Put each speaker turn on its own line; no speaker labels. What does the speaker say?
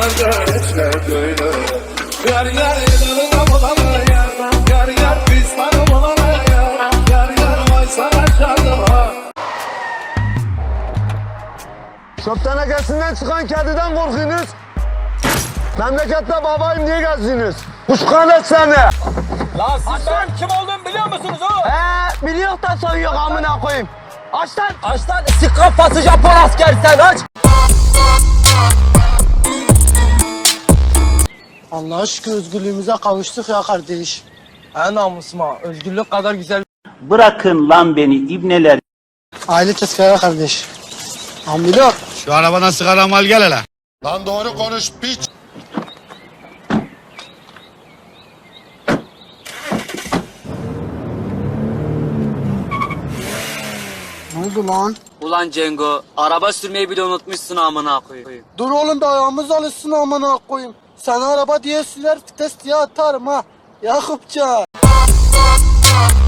nerede içler böyle. Yar yar edelim bulana yar. Yar yar pismanı bulana yar. Yar yar vay sana şadıma.
Çöp tenekesinden çıkan kediden korkuyorsunuz. Memlekette babayım diye gezdiniz. Kuşkanet seni.
Lan siz benim kim olduğumu biliyor musunuz oğlum?
Biliyor da soyuyor amına koyayım. Aç lan.
Aç lan sik kafası Japon askeri sen aç.
Allah'a şükür özgürlüğümüze kavuştuk ya kardeş.
En namusuma özgürlük kadar güzel.
Bırakın lan beni ibneler.
Aile tezkere kardeş. Ambilok.
Şu arabana sigara mal gel hele. Lan doğru konuş piç.
Ne oldu lan?
Ulan Cengo, araba sürmeyi bile unutmuşsun amına koyayım.
Dur oğlum da ayağımız alışsın amına koyayım. Sana araba diye sürer vites diye atarım ha. Yakupcan.